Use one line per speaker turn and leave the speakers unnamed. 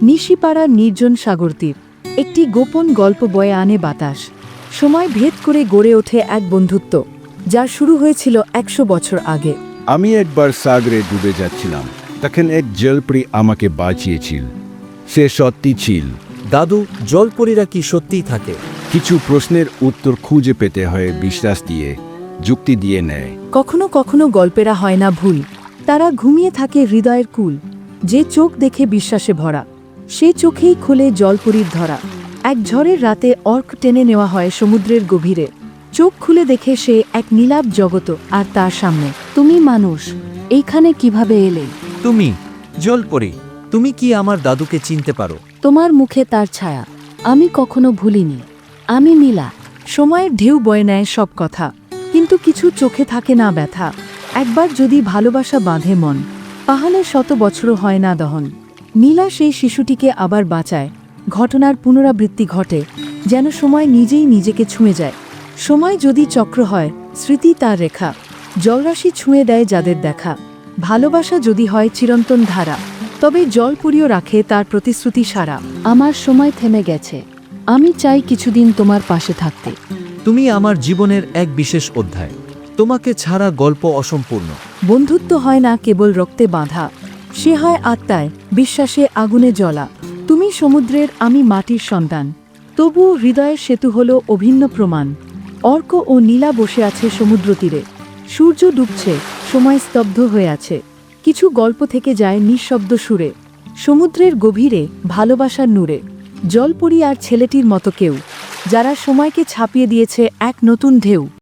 নিশিপাড়ার নির্জন সাগরতীর একটি গোপন গল্প বয়ে আনে বাতাস। সময় ভেদ করে গড়ে ওঠে এক বন্ধুত্ব, যার শুরু হয়েছিল 100 বছর আগে।
আমি একবার সাগরে ডুবে যাচ্ছিলাম, তখন এক জলপরি আমাকে বাঁচিয়েছিল। সে সত্যি ছিল।
দাদু, জলপরীরা কি সত্যিই থাকে?
কিছু প্রশ্নের উত্তর খুঁজে পেতে হয় বিশ্বাস দিয়ে, যুক্তি দিয়ে নেয়।
কখনো কখনো গল্পেরা হয় না ভুল, তারা ঘুমিয়ে থাকে হৃদয়ের কুল। যে চোখ দেখে বিশ্বাসে ভরা, সে চোখেই খোলে জলপরীর ধরা। এক ঝড়ের রাতে অর্ক টেনে নেওয়া হয় সমুদ্রের গভীরে। চোখ খুলে দেখে সে এক নীলাভ জগত, আর তার সামনে তুমি মানুষ। এইখানে কিভাবে এলে?
তুমি জলপরী, তুমি কি আমার দাদুকে চিনতে পারো?
তোমার মুখে তার ছায়া আমি কখনো ভুলিনি। আমি নীলা। সময়ের ঢেউ বয়ে নেয় সব কথা, কিন্তু কিছু চোখে থাকে না ব্যথা। একবার যদি ভালোবাসা বাঁধে মন, পাহাড়ে 100 বছরও হয় না দহন। নীলা সেই শিশুটিকে আবার বাঁচায়। ঘটনার পুনরাবৃত্তি ঘটে, যেন সময় নিজেই নিজেকে ছুঁয়ে যায়। সময় যদি চক্র হয়, স্মৃতি তার রেখা। জলরাশি ছুঁয়ে দেয় যাদের দেখা। ভালোবাসা যদি হয় চিরন্তন ধারা, তবে জলপুরিও রাখে তার প্রতিশ্রুতি সারা। আমার সময় থেমে গেছে, আমি চাই কিছুদিন তোমার পাশে থাকতে।
তুমি আমার জীবনের এক বিশেষ অধ্যায়, তোমাকে ছাড়া গল্প অসম্পূর্ণ।
বন্ধুত্ব হয় না কেবল রক্তে বাঁধা, সে হয় আত্মায়, বিশ্বাসে, আগুনে জ্বলা। তুমি সমুদ্রের, আমি মাটির সন্তান, তবুও হৃদয়ের সেতু হল অভিন্ন প্রমাণ। অর্ক ও নীলা বসে আছে সমুদ্র তীরে। সূর্য ডুবছে, সময় স্তব্ধ হয়ে আছে। কিছু গল্প থেকে যায় নিঃশব্দ সুরে। সমুদ্রের গভীরে, ভালোবাসার নূরে। জলপরী আর ছেলেটির মতো কেউ, যারা সময়কে ছাপিয়ে দিয়েছে এক নতুন ঢেউ।